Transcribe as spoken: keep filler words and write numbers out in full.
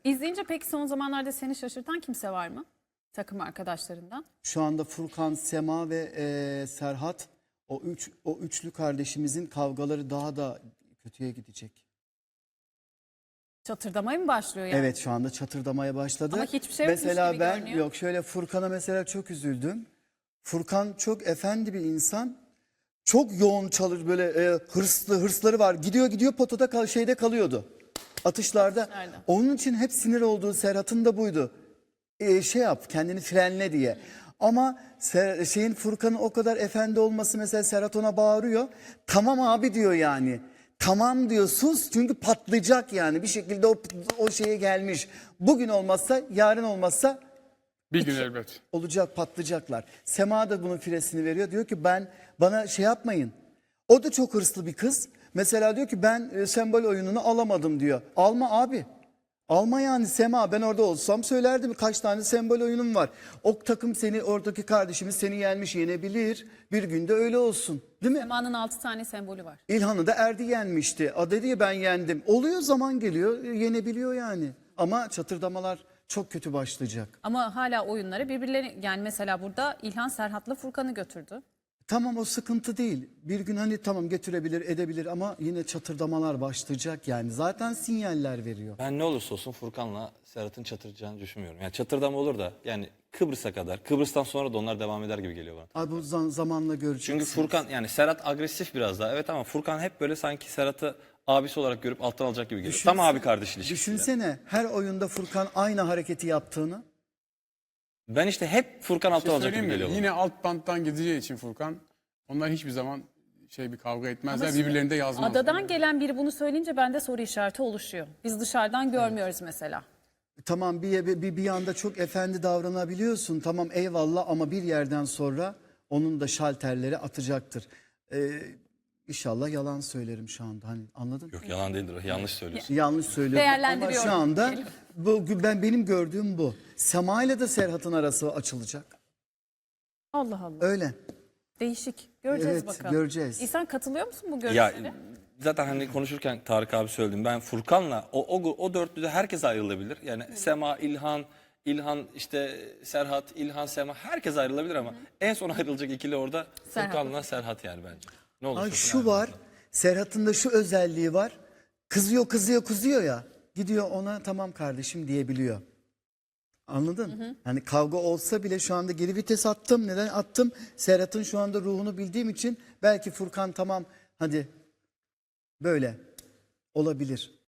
İzleyince peki son zamanlarda seni şaşırtan kimse var mı? Takım arkadaşlarından. Şu anda Furkan, Sema ve e, Serhat, o üç o üçlü kardeşimizin kavgaları daha da kötüye gidecek. Çatırdamaya mı başlıyor yani? Evet, şu anda çatırdamaya başladı. Ama hiçbir şey yokmuş mesela gibi ben görünüyor. yok şöyle Furkan'a mesela çok üzüldüm. Furkan çok efendi bir insan. Çok yoğun çalışır, böyle e, hırslı hırsları var. Gidiyor gidiyor potada kal, şeyde kalıyordu. Atışlarda. Atışlarda. Onun için hep sinir olduğu Serhat'ın da buydu. E, şey yap, kendini frenle diye. Ama Ser, şeyin Furkan'ın o kadar efendi olması, mesela Serhat ona bağırıyor. Tamam abi diyor yani. Tamam diyor, sus, çünkü patlayacak yani. Bir şekilde o, o şeye gelmiş. Bugün olmazsa, yarın olmazsa Bir gün elbet. olacak, patlayacaklar. Sema da bunun firesini veriyor. Diyor ki ben, bana şey yapmayın. O da çok hırslı bir kız. Mesela diyor ki ben e, sembol oyununu alamadım diyor. Alma abi. Alma yani Sema, ben orada olsam söylerdim, kaç tane sembol oyunum var. O takım seni, oradaki kardeşimiz seni yenmiş, yenebilir. Bir günde öyle olsun, değil mi? Sema'nın altı tane sembolü var. İlhan'ı da Erdi yenmişti. A dedi ya, ben yendim. Oluyor, zaman geliyor, yenebiliyor yani. Ama çatırdamalar çok kötü başlayacak. Ama hala oyunları birbirleri, yani mesela burada İlhan Serhat'la Furkan'ı götürdü. Tamam, o sıkıntı değil. Bir gün hani tamam getirebilir, edebilir ama yine çatırdamalar başlayacak yani. Zaten sinyaller veriyor. Ben ne olursa olsun Furkan'la Serhat'ın çatıracağını düşünmüyorum. Yani çatırdama olur da yani Kıbrıs'a kadar, Kıbrıs'tan sonra da onlar devam eder gibi geliyor bana. Abi bu zam- zamanla göreceksiniz. Çünkü Furkan, yani Serhat agresif biraz daha, evet, ama Furkan hep böyle sanki Serhat'ı abisi olarak görüp alttan alacak gibi geliyor. Düşünse- Tam abi kardeş ilişkisi. Düşünsene her oyunda Furkan aynı hareketi yaptığını. Ben işte hep Furkan Bir alttan şey alacak gibi söyleyeyim mi? geliyor bana. Yine alt banttan gideceği için Furkan, onlar hiçbir zaman şey bir kavga etmezler. Ama Birbirlerini de yazmazlar. Adadan gelen biri bunu söyleyince bende soru işareti oluşuyor. Biz dışarıdan görmüyoruz mesela. Tamam, bir, bir, bir anda çok efendi davranabiliyorsun. Tamam, eyvallah, ama bir yerden sonra onun da şalterleri atacaktır. Ee, İnşallah yalan söylerim şu anda. Hani anladın mı? Yok, yalan değildir o. Yanlış söylüyorsun. Yanlış söylüyorum ama Değerlendiriyorum şu anda diyelim. bu, ben benim gördüğüm bu. Sema ile de Serhat'ın arası açılacak. Allah Allah. Öyle. Değişik. Göreceğiz Evet, bakalım. göreceğiz. İhsan, katılıyor musun bu Ya görüşlere? zaten hani konuşurken Tarık abi söyledim. Ben Furkan'la o, o, o dörtlüde herkes ayrılabilir. Yani Sema, İlhan, İlhan işte Serhat, İlhan, Sema, herkes ayrılabilir ama en son ayrılacak ikili orada Serhat. Furkan'la Serhat yani bence. Ne olursa Ay, olsun şu var, ayrılırlar. Serhat'ın da şu özelliği var. Kızıyor kızıyor kızıyor ya. Gidiyor ona tamam kardeşim diyebiliyor. Anladın? Hani kavga olsa bile şu anda geri vites attım. Neden attım? Serhat'ın şu anda ruhunu bildiğim için belki Furkan tamam hadi böyle olabilir.